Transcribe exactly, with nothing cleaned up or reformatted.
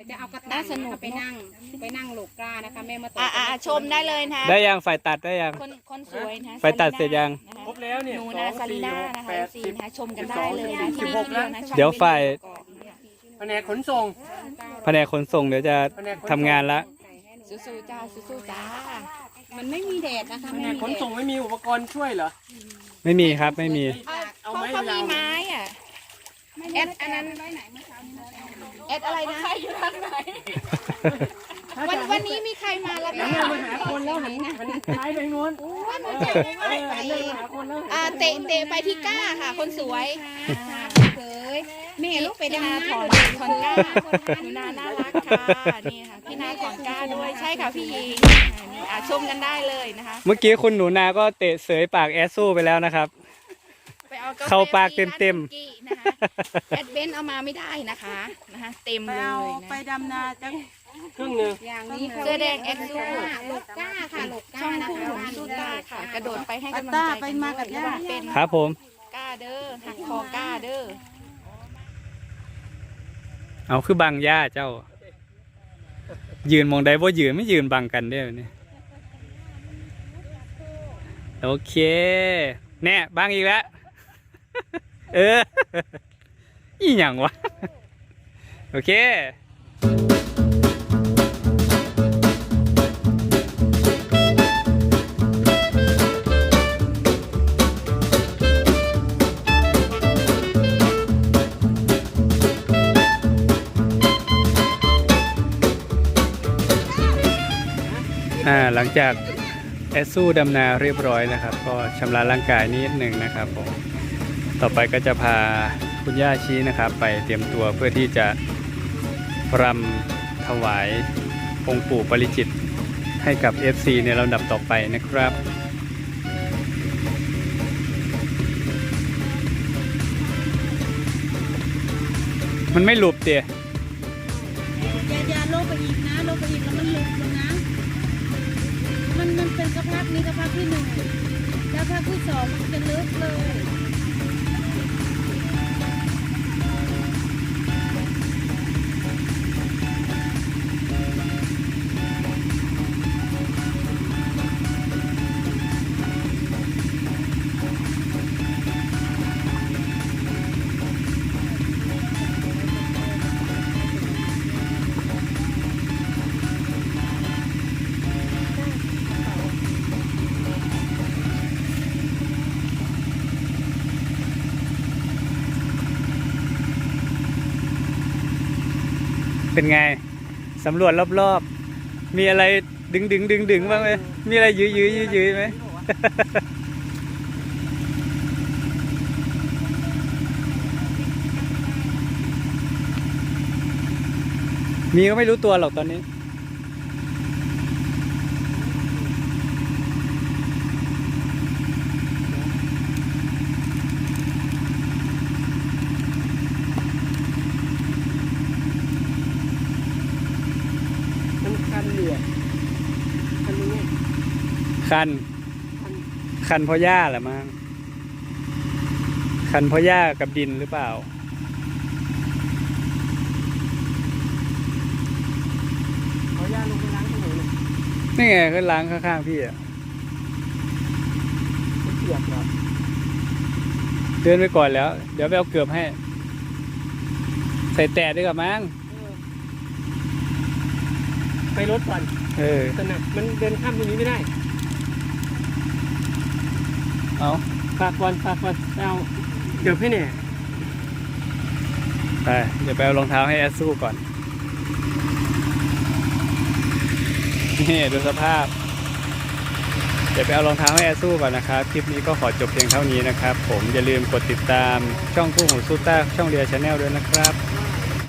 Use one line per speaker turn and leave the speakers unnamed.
จะเอากระต่ายสนุกไปนั่งไปนั่งโลกานะคะแม่มาต่
อ่าชมได้เลยนะ
ได้ยังฝ่ายตัดได้ยัง
คนคนสวยนะ
ไฟตัดเสร็จยัง
ครบแล้วเนี่ย
หนูนาซาลีน่านะคะสีนะคะชมกันได้เลยนะที่นี่นะ
เดี๋ยวฝ่าย
แผนกขนส่ง
แผนกขนส่งเดี๋ยวจะทำงานละ
สู้ๆจ้าสู้ๆจ้า
มันไม่มีแดดนะคะ
แผ
ไม่
นก
มี
ขน
แด
ส่ง
ด
ไม่มีอุปกรณ์ช่วยเหรอ
ไม่มีครับไม่มี
เอา
เขา
ไม้
เขามี
ยาว
ไม้อ่ะแอดอันนั้นแอดอะไรนะอยู่ทางไหนวันวันนี้มีใครมาแล้ว
หัน
คะ
หน้ามาหาคนแล้วหันหันท้ายไปนู้น
วัน
เอ
นี้
อ
จะไม่
เอ
ไหว
อหันหน้ามาหาคนแล้ว
อ่าเตะเตะไปที่ก้าค่ะ คนสวย
เคยแม่ลูกไป
พี่
ดำ
นา
น้ำ
ถอน
ด้วย
ถอนก้าหนูนาน่ารักค่ะนี่ค่ะพี่นาถอนก้าด้วยใช่ค่ะพี่หญิงนี่อ่ะชมกันได้เลยนะคะ
เมื่อกี้คุณหนูนาก็เตะเสยปากแอสสู้ไปแล้วนะครับ
ไปเอากาแฟ
เข้าปากเต็มๆ
ร้านสุกี้นะคะแอดเบนเอามาไม่ได้นะคะนะคะเต็มเลยนะ
ไปดำนาจัง
ครึ่งหนึ่ง
อย่างนี้
เสื้อแดงแอดซู
โลก้าค่ะโลก้า
ช่อง
นะ
คู่
คะ
หลงสู้ตาค่ะ กระโดดไปให้กำลังใจ
ต้า
กัน
ไปมากับ
ด้วย
ย่า
เป็น
ครับผม
ก้าเด้อหักคอก้าเด้อ
เอาคือบังย่าเจ้า ยืนมองได้ว่ายืนไม่ยืนบังกันได้ไหมเนี่ยโอเคแน่บังอีกแล้ว เออ อีหยังวะ โอเคอ่าหลังจากแอสซูดำนาเรียบร้อยนะครับ ก็ชำระร่างกายนิดหนึ่งนะครับผมต่อไปก็จะพาคุณย่าชี้นะครับ ไปเตรียมตัวเพื่อที่จะรำถวายองค์ปู่ปริจิตรให้กับ เอฟ ซี ในลำดับต่อไปนะครับ มันไม่หลุบเตี๋ย
อย่าอย่าลงไปอีกนะลงไปอีกแล้วมันหลุดลงนะ มันมันเป็นกระพักนี้กระพักที่หนึ่งแล้วพักที่สองมันจะลึกเลย
เป็นไง สำรวจรอบๆ มีอะไรดึงดึงดึงดึงบ้างไหมมีอะไรยื้อยื้อยื้อยื้อไหม มีก็ไม่รู้ตัวหรอกตอนนี้
มันคันเหลือคันนี้
คัน คันเพราะหญ้าแหละมั้งคันเพราะหญ้ากับดินหรือเปล่า
เขาย่าลงไปล้างถนน
นี่ไงก็ล้างข้างๆพี่อะ
เปียกเหรอ
เดินไปก่อนแล้ว เดี๋ยวไปเอาเกือบให้ ใส่แต่ด้วยกับมั้ง
ไปรถก่อน
เออ
แต่หนักมันเดินข้ามตรงนี้ไม่ได้
เอา
ฝากก่อนฝากก่อนเอาเดี๋ยวพี่เนี่ย
ไปเดี๋ยวไปเอารองเท้าให้แอสสู้ก่อน นี่ดูสภาพ เดี๋ยวไปเอารองเท้าให้แอสสู้ก่อนนะครับ คลิปนี้ก็ขอจบเพียงเท่านี้นะครับ ผมอย่าลืมกดติดตามช่องคู่หูซูต้าช่องเรียชาแนลด้วยนะครับ